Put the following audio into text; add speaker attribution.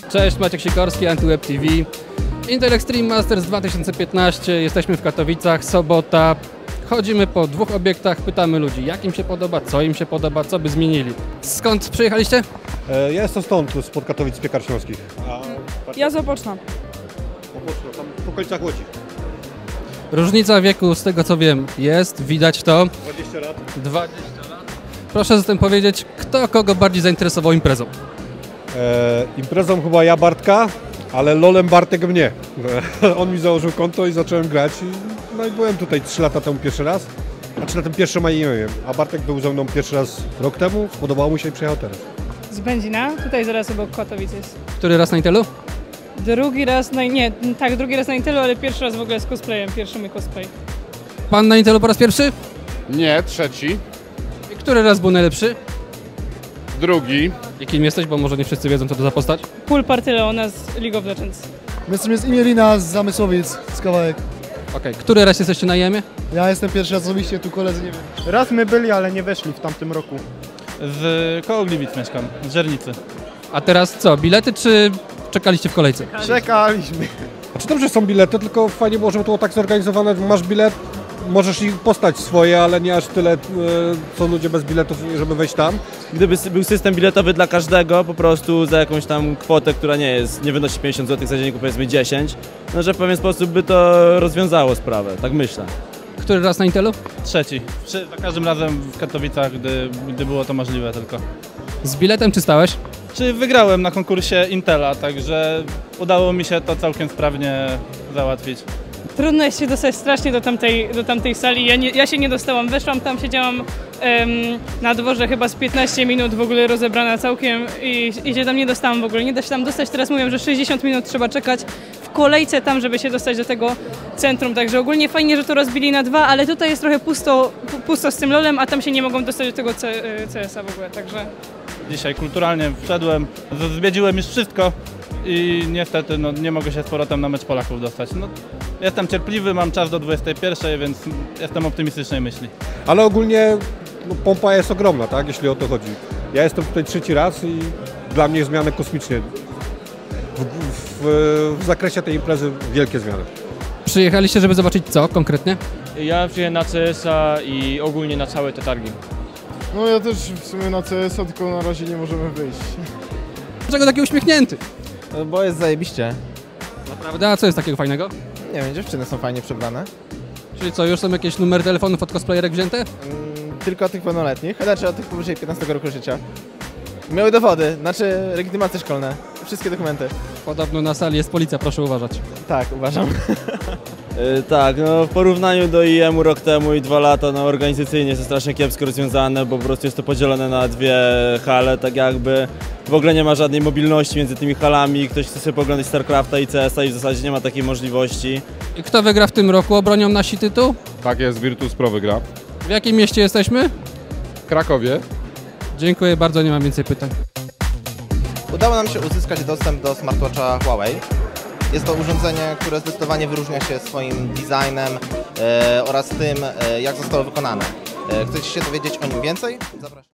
Speaker 1: Cześć, Maciek Sikorski, AntyWeb TV. Intel Extreme Masters 2015, jesteśmy w Katowicach, sobota. Chodzimy po dwóch obiektach, pytamy ludzi, jak im się podoba, co by zmienili. Skąd przyjechaliście?
Speaker 2: Ja jestem stąd, spod Katowic, z Piekar Śląskich.
Speaker 3: Ja z Opoczna.
Speaker 2: Opoczno, tam w okolicach Łodzi.
Speaker 1: Różnica wieku, z tego co wiem, jest, widać to.
Speaker 2: 20 lat.
Speaker 1: 20 lat. Proszę zatem powiedzieć, kto kogo bardziej zainteresował imprezą?
Speaker 2: Imprezą chyba ja Bartka, ale LOL-em Bartek mnie. On mi założył konto i zacząłem grać. No i byłem tutaj 3 lata temu pierwszy raz. Znaczy na tym pierwszym nie wiem. A Bartek był ze mną pierwszy raz rok temu, spodobało mu się i przyjechał teraz.
Speaker 3: Z Będzina, tutaj zaraz obok Katowic jest.
Speaker 1: Który raz na Intelu?
Speaker 3: Drugi raz na Intelu, ale pierwszy raz w ogóle z cosplayem, pierwszy mój cosplay.
Speaker 1: Pan na Intelu po raz pierwszy?
Speaker 4: Nie, trzeci.
Speaker 1: I który raz był najlepszy?
Speaker 4: Drugi.
Speaker 1: I kim jesteś, bo może nie wszyscy wiedzą, co to za postać?
Speaker 3: Pool Party Leona z League of Legends.
Speaker 5: My jesteśmy z Imielina, z Zamysłowic, z Kawałek.
Speaker 1: Okej, który raz jesteście na IEM-ie?
Speaker 5: Ja jestem pierwszy raz osobiście, tu koledzy nie wiem.
Speaker 6: Raz my byli, ale nie weszli w tamtym roku.
Speaker 7: Koło Gliwic mieszkam, z Żernicy.
Speaker 1: A teraz co, bilety czy czekaliście w kolejce?
Speaker 6: Czekaliśmy.
Speaker 2: Znaczy dobrze są bilety, tylko fajnie było, żeby to było tak zorganizowane, że masz bilet, możesz ich postać swoje, ale nie aż tyle, co ludzie bez biletów, żeby wejść tam.
Speaker 8: Gdyby był system biletowy dla każdego, po prostu za jakąś tam kwotę, która nie wynosi 50 zł za dzień, powiedzmy 10, no że w pewien sposób by to rozwiązało sprawę, tak myślę.
Speaker 1: Który raz na Intelu?
Speaker 7: Trzeci. Za każdym razem w Katowicach, gdy było to możliwe tylko.
Speaker 1: Z biletem czy stałeś?
Speaker 7: Czy wygrałem na konkursie Intela, także udało mi się to całkiem sprawnie załatwić.
Speaker 3: Trudno jest się dostać strasznie do tamtej sali. Ja się nie dostałam, weszłam tam, siedziałam na dworze chyba z 15 minut w ogóle rozebrana całkiem i się tam nie dostałam w ogóle. Nie da się tam dostać, teraz mówią, że 60 minut trzeba czekać w kolejce tam, żeby się dostać do tego centrum. Także ogólnie fajnie, że to rozbili na 2, ale tutaj jest trochę pusto z tym LOL-em, a tam się nie mogą dostać do tego CS-a w ogóle, także...
Speaker 7: Dzisiaj kulturalnie wszedłem, zwiedziłem już wszystko i niestety nie mogę się z powrotem na mecz Polaków dostać. Jestem cierpliwy, mam czas do 21, więc jestem optymistycznej myśli.
Speaker 2: Ale ogólnie pompa jest ogromna, tak, jeśli o to chodzi. Ja jestem tutaj trzeci raz i dla mnie zmiany kosmicznie. W zakresie tej imprezy wielkie zmiany.
Speaker 1: Przyjechaliście, żeby zobaczyć co konkretnie?
Speaker 8: Ja przyjechałem na CS-a i ogólnie na całe te targi.
Speaker 6: No ja też w sumie na CS-a, tylko na razie nie możemy wyjść.
Speaker 1: Dlaczego taki uśmiechnięty?
Speaker 9: Bo jest zajebiście.
Speaker 1: Naprawdę? A co jest takiego fajnego?
Speaker 9: Nie wiem, dziewczyny są fajnie przebrane.
Speaker 1: Czyli co, już są jakieś numery telefonów od cosplayerek wzięte?
Speaker 9: Tylko od tych pełnoletnich, znaczy od tych powyżej 15 roku życia. Miały dowody, znaczy legitymacje szkolne, wszystkie dokumenty.
Speaker 1: Podobno na sali jest policja, proszę uważać.
Speaker 9: Tak, uważam.
Speaker 8: Tak, no w porównaniu do IEM-u rok temu i 2 lata, no organizacyjnie jest to strasznie kiepsko rozwiązane, bo po prostu jest to podzielone na 2 hale, tak jakby w ogóle nie ma żadnej mobilności między tymi halami, ktoś chce sobie poglądać StarCrafta i CS-a i w zasadzie nie ma takiej możliwości.
Speaker 1: I kto wygra w tym roku? Obronią nasi tytuł?
Speaker 4: Tak jest, Virtus Pro wygra.
Speaker 1: W jakim mieście jesteśmy?
Speaker 4: W Krakowie.
Speaker 1: Dziękuję bardzo, nie mam więcej pytań.
Speaker 9: Udało nam się uzyskać dostęp do smartwatcha Huawei. Jest to urządzenie, które zdecydowanie wyróżnia się swoim designem oraz tym, jak zostało wykonane. Chcecie się dowiedzieć o nim więcej? Zapraszam.